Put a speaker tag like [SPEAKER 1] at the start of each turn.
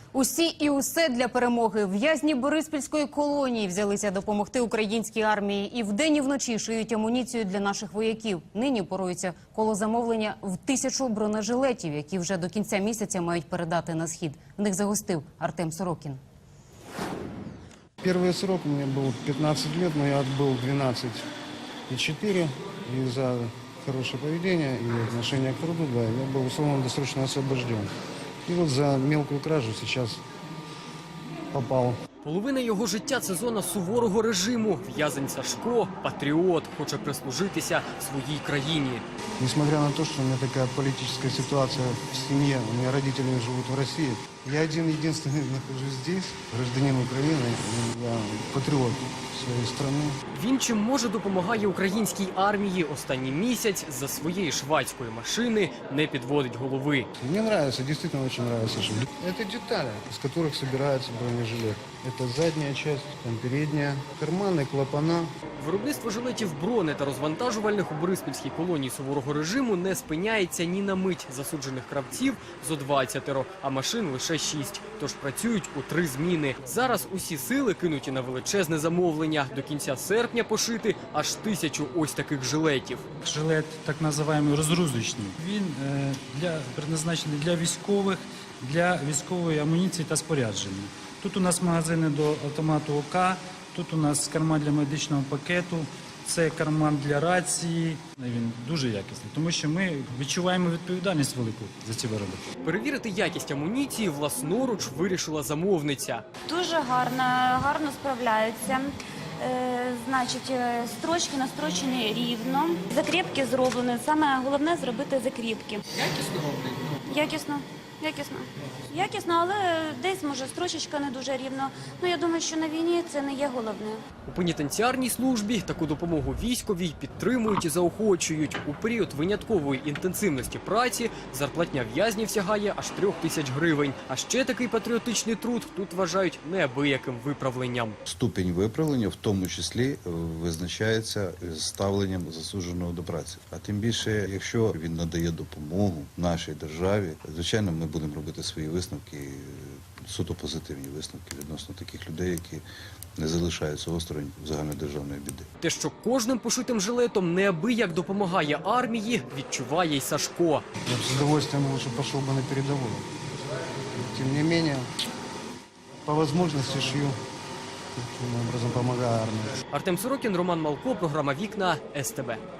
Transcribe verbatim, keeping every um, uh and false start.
[SPEAKER 1] Усі і усе для перемоги. В'язні Бориспільської колонії взялися допомогти українській армії. І вдень, і вночі шиють амуніцію для наших вояків. Нині порується коло замовлення в тисячу бронежилетів, які вже до кінця місяця мають передати на схід. В них загостив Артем Сорокін.
[SPEAKER 2] Первый срок у меня был пятнадцать лет, но я отбыл двенадцать и четыре. И за хорошее поведение и отношение к труду, да, я был условно-досрочно освобожден. И вот за мелкую кражу сейчас попал.
[SPEAKER 3] Половина його життя – це зона суворого режиму. В'язень Сашко – патріот, хоче прислужитися своїй країні.
[SPEAKER 2] Несмотря на то, что у меня такая политическая ситуация в семье, у меня родители живут в России, я один-единственный нахожусь здесь, гражданин Украины, я патриот своей страны.
[SPEAKER 3] Він чим може допомагає українській армії. Останній місяць за своєї швадської машини не підводить голови.
[SPEAKER 2] Мне нравится, действительно очень нравится. Что это детали, из которых собирается бронежилет. Это задняя часть, там передняя, карманы, клапана.
[SPEAKER 3] Виробництво жилетів брони та розвантажувальних у Бориспільській колонії суворого режиму не спиняється ні на мить. Засуджених кравців зо двадцятеро, а машин лише шість. Тож працюють у три зміни. Зараз усі сили кинуті на величезне замовлення. До кінця серпня пошити аж тисячу ось таких жилетів.
[SPEAKER 4] Жилет так називаємо розгрузочний. Він е, для, призначений для військових, для військової амуніції та спорядження. Тут у нас магазини до автомату ОК, тут у нас карман для медичного пакету, це карман для рації. Він дуже якісний, тому що ми відчуваємо відповідальність велику за ці вироби.
[SPEAKER 3] Перевірити якість амуніції власноруч вирішила замовниця.
[SPEAKER 5] Дуже гарно, гарно справляються. Е, значить, строчки настрочені рівно, закріпки зроблені. Саме головне – зробити закріпки.
[SPEAKER 3] Якісно роблять?
[SPEAKER 5] Якісно. Якісно. Якісно, але десь, може, строчечка не дуже рівно. Ну, я думаю, що на війні це не є головне.
[SPEAKER 3] У пенітенціарній службі таку допомогу військовій підтримують і заохочують. У період виняткової інтенсивності праці зарплатня в'язнів сягає аж трьох тисяч гривень. А ще такий патріотичний труд тут вважають неабияким виправленням.
[SPEAKER 6] Ступінь виправлення в тому числі визначається ставленням засудженого до праці. А тим більше, якщо він надає допомогу нашій державі, звичайно, ми будемо робити свої висновки, суто позитивні висновки відносно таких людей, які не залишаються осторонь загальнодержавної біди.
[SPEAKER 3] Те, що кожним пошитим жилетом неабияк допомагає армії, відчуває й Сашко.
[SPEAKER 2] Я бы с удовольствием лучше пошел бы на передовую. Тем не менее, по возможности шью, таким образом помогаю армии.
[SPEAKER 3] Артем Сорокін, Роман Малко, програма «Вікна», ес те бе.